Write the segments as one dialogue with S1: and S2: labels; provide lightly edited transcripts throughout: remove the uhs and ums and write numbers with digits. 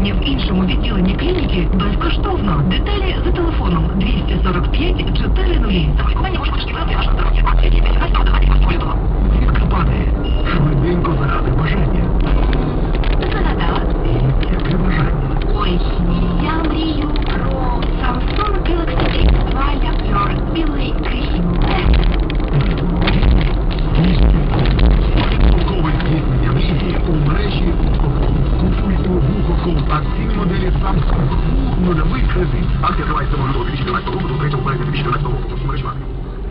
S1: лікування в іншому відділенні клініки безкоштовно. Деталі за телефоном 245 400. За лікування може пошкодувати ваше здоров'я. Акції діяльність давати користуватися.
S2: Звідки падає? Швиденько заради бажання.
S1: Занадала.
S2: Яке бажання?
S1: Ой, я мрію про Samsung Galaxy S2 Leopard білий крім.
S2: Толкове здійснення мрії у мережі Куфульту Вухофон. Акційні моделі Samsung. Нульовий кредит. Акція триває 7 лютого 2014 року до 3 березня 2014 року. Усі мережі марки.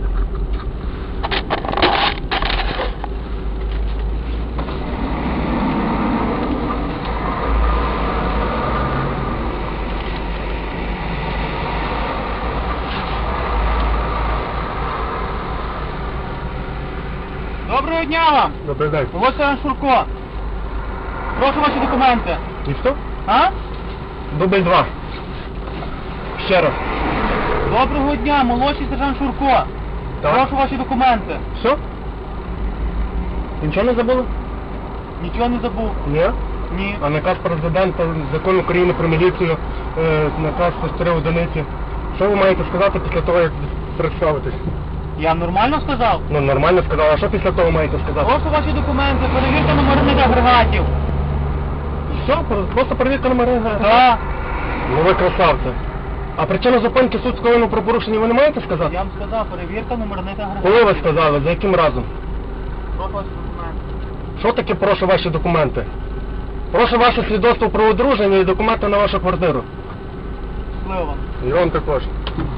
S3: Доброго дня вам!
S2: Добрий день.
S3: Ось Іван Шурко. Прошу ваші документи.
S2: І що?
S3: А?
S2: Дубль 2. Ще раз.
S3: Доброго дня, молодший сержант Шурко.
S2: Так.
S3: Прошу ваші документи.
S2: Все? Нічого не забули?
S3: Нічого не забув.
S2: Ні.
S3: Ні.
S2: А наказ президента, закон України про міліцію, наказ по 4 одиниці. Що ви маєте сказати після того, як представитесь?
S3: Я нормально сказав?
S2: Ну, нормально сказав, а що після того маєте сказати?
S3: Прошу ваші документи, перевірте номерних агрегатів.
S2: Все, просто перевірка номери.
S3: Так.
S2: Ну ви красавці. А причину зупинки суд скоєно про порушення ви не маєте сказати?
S3: Я вам сказав, перевірка номерних агрегатів.
S2: Коли ви сказали, за яким разом?
S3: Прошу ваші документи.
S2: Що таке прошу ваші документи? Прошу ваше свідоцтво про одруження і документи на вашу квартиру.
S3: Щасливо вам.
S2: І вам також.